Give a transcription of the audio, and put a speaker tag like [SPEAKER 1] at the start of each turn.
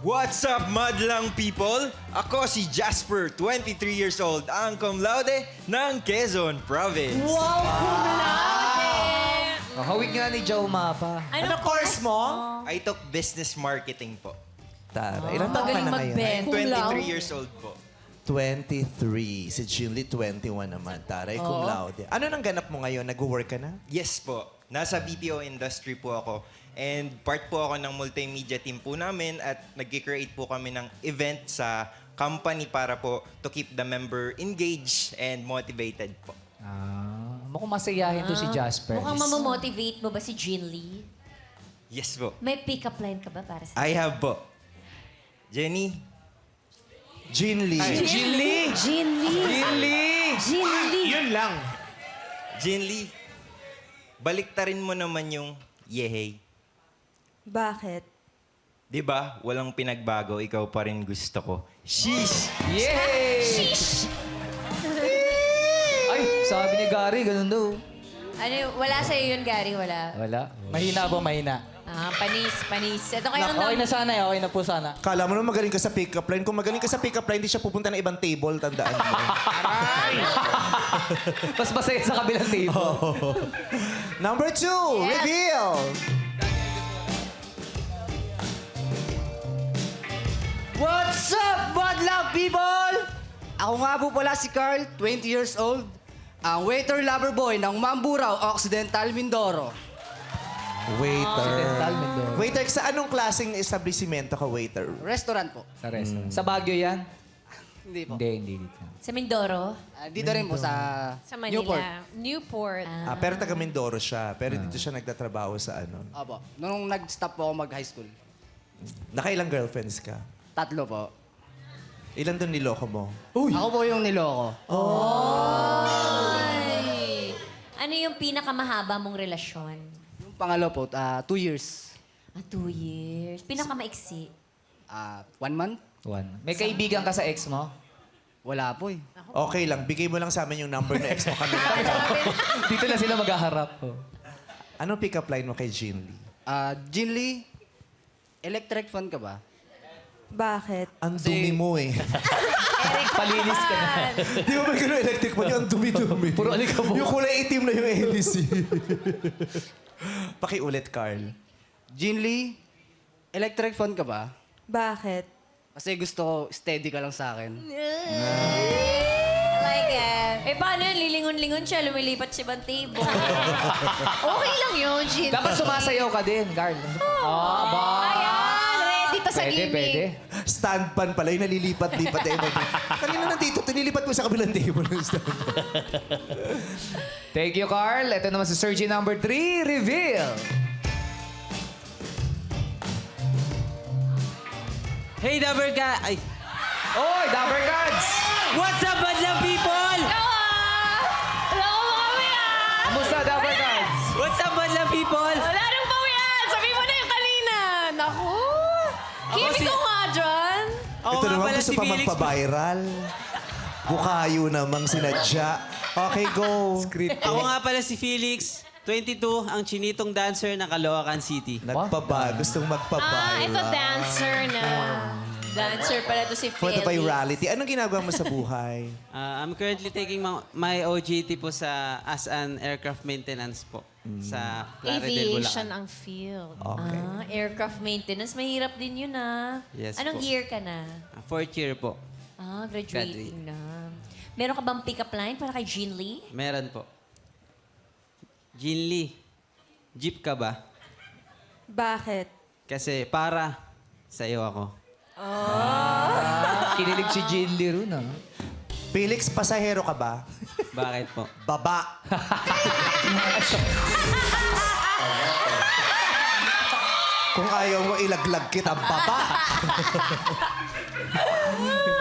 [SPEAKER 1] What's up, madlang people? Ako si Jasper, 23 years old, ang cum laude ng Quezon Province.
[SPEAKER 2] Wow, cum laude!
[SPEAKER 3] Hawig nga ni Joe Mapa.
[SPEAKER 2] Ano course mo?
[SPEAKER 1] I took business marketing po.
[SPEAKER 4] Tara, ilang taon ka na ngayon?
[SPEAKER 2] Cum laude.
[SPEAKER 1] 23 years old po.
[SPEAKER 4] 23. Si Jinly, 21 naman. Taray, cum laude. Ano nang ganap mo ngayon? Nag-work ka na?
[SPEAKER 1] Yes po. Nasa BPO industry po ako. And part po ako ng multimedia team po namin at nag-create po kami ng event sa company para po to keep the member engaged and motivated po.
[SPEAKER 3] Mukhang masayahin to si Jasper.
[SPEAKER 2] Mukhang mamamotivate mo ba si Jean Lee?
[SPEAKER 1] Yes po.
[SPEAKER 2] May pick-up line ka ba para sa...
[SPEAKER 1] I have po. Jenny,
[SPEAKER 4] Jinly.
[SPEAKER 3] Jinly!
[SPEAKER 2] Jean Lee!
[SPEAKER 3] Jinly!
[SPEAKER 2] Jean Lee!
[SPEAKER 5] Yun lang.
[SPEAKER 1] Jinly, baliktarin mo naman yung yehey.
[SPEAKER 6] Bakit?
[SPEAKER 1] Di ba? Walang pinagbago, ikaw pa rin gusto ko. Sheesh!
[SPEAKER 3] Yay! Ay, sabi ni Gary, ganun daw.
[SPEAKER 2] Ano, wala sa'yo yun, Gary? Wala.
[SPEAKER 3] Wala.
[SPEAKER 5] Mahina po, mahina.
[SPEAKER 2] Panis. Ito kayo
[SPEAKER 5] Okay na sana, okay na po sana.
[SPEAKER 4] Kala mo naman magaling ka sa pick-up line. Kung magaling ka sa pick-up line, di siya pupunta ng ibang table. Tandaan mo.
[SPEAKER 3] Mas masaya sa kabilang table.
[SPEAKER 4] Number 2, reveal.
[SPEAKER 5] What's up, madlang people? Ako nga po pala si Carl, 20 years old. Ang waiter lover boy ng Mamburao, Occidental, Mindoro.
[SPEAKER 4] Waiter.
[SPEAKER 3] Mindoro.
[SPEAKER 4] Waiter, sa anong klaseng establishmento ka, waiter?
[SPEAKER 5] Restaurant po.
[SPEAKER 3] Sa restaurant. Sa Baguio yan?
[SPEAKER 5] Hindi po.
[SPEAKER 3] Hindi dito.
[SPEAKER 2] Sa Mindoro?
[SPEAKER 5] Dito rin po sa,
[SPEAKER 7] Sa Manila.
[SPEAKER 5] Newport.
[SPEAKER 7] Newport.
[SPEAKER 4] Pero taga Mindoro siya. Pero dito siya nagtatrabaho sa ano.
[SPEAKER 5] Opo. Nung nag-stop po ako mag-high school.
[SPEAKER 4] Nakailang girlfriends ka?
[SPEAKER 5] 3 po.
[SPEAKER 4] Ilan doon niloko mo?
[SPEAKER 5] Ako po yung niloko.
[SPEAKER 2] Ay! Ano yung pinakamahaba mong relasyon?
[SPEAKER 5] Yung pangalo po, 2 years.
[SPEAKER 2] 2 years. Pinakamaiksi?
[SPEAKER 5] 1 month?
[SPEAKER 3] May kaibigan ka sa ex mo?
[SPEAKER 5] Wala po eh.
[SPEAKER 4] Okay lang, bigay mo lang sa amin yung number ng ex mo kami.
[SPEAKER 3] Dito na sila maghaharap.
[SPEAKER 4] Anong pick-up line mo kay Jinly?
[SPEAKER 5] Jean Lee, electric fan ka ba?
[SPEAKER 6] Bakit?
[SPEAKER 4] Ang dumi mo eh.
[SPEAKER 3] Palinis ka na.
[SPEAKER 4] Di ba may gano'ng electric mo? Yung dumi-dumi.
[SPEAKER 3] Puro alikabok.
[SPEAKER 4] Yung kulay itim na yung hélice. Pakiulit, Carl.
[SPEAKER 5] Jean Lee, electric fan ka ba?
[SPEAKER 6] Bakit?
[SPEAKER 5] Kasi gusto ko steady ka lang sa akin.
[SPEAKER 2] I like it. Paano yun? Lilingon-lingon siya, lumilipat siya ibang table.
[SPEAKER 7] Okay lang yun, Jean.
[SPEAKER 3] Dapat sumasayaw ka din, Carl.
[SPEAKER 7] Ayan, ready to sa gimmick.
[SPEAKER 3] Pwede.
[SPEAKER 4] Stand pan pala, yung nalilipat-lipat na yun. Kanina nandito, tinilipat mo sa kabilang table ng stand pan.
[SPEAKER 3] Thank you, Carl. Ito naman si Sergi number 3, reveal.
[SPEAKER 8] Hey, Dabber Ka... Ay,
[SPEAKER 3] Oy, Dabber Cards!
[SPEAKER 8] what's up, madlang people?
[SPEAKER 7] Wala ko makawian!
[SPEAKER 3] Kamusta, Dabber Cards?
[SPEAKER 8] What's up, madlang people?
[SPEAKER 7] Wala nang pawian! Sabi mo na yung kanina! Naku! Kimi ko nga dyan!
[SPEAKER 8] Ako
[SPEAKER 4] Ito
[SPEAKER 8] nga
[SPEAKER 4] naman
[SPEAKER 8] pala
[SPEAKER 4] gusto
[SPEAKER 8] si
[SPEAKER 4] pa
[SPEAKER 8] Felix.
[SPEAKER 4] magpa-viral. Bukayo namang sinadya. Okay, go.
[SPEAKER 8] Ako nga pala si Felix, 22, ang chinitong dancer ng Caloocan City.
[SPEAKER 4] Gustong magpa-viral.
[SPEAKER 7] Ito dancer na.
[SPEAKER 2] Dancer pala to si
[SPEAKER 4] For the
[SPEAKER 2] Felix.
[SPEAKER 4] virality. Anong ginagawa mo sa buhay?
[SPEAKER 8] I'm currently taking my OJT po as an aircraft maintenance po sa Plaridel,
[SPEAKER 7] Aviation
[SPEAKER 8] Bulacan.
[SPEAKER 7] ang field.
[SPEAKER 4] Okay.
[SPEAKER 2] Aircraft maintenance. Mahirap din yun,
[SPEAKER 8] Yes
[SPEAKER 2] Anong
[SPEAKER 8] po.
[SPEAKER 2] year ka na?
[SPEAKER 8] 4th year po.
[SPEAKER 2] Graduating na. Meron ka bang pick-up line para kay Jean Lee?
[SPEAKER 8] Meron po. Jean Lee, jeep ka ba?
[SPEAKER 6] Bakit?
[SPEAKER 8] Kasi para sa iyo ako.
[SPEAKER 3] Kinilig si Jean Lee ron,
[SPEAKER 4] Felix, pasahero ka ba?
[SPEAKER 8] Bakit po?
[SPEAKER 4] Baba. Kung ayaw mo ilaglag kita, baba.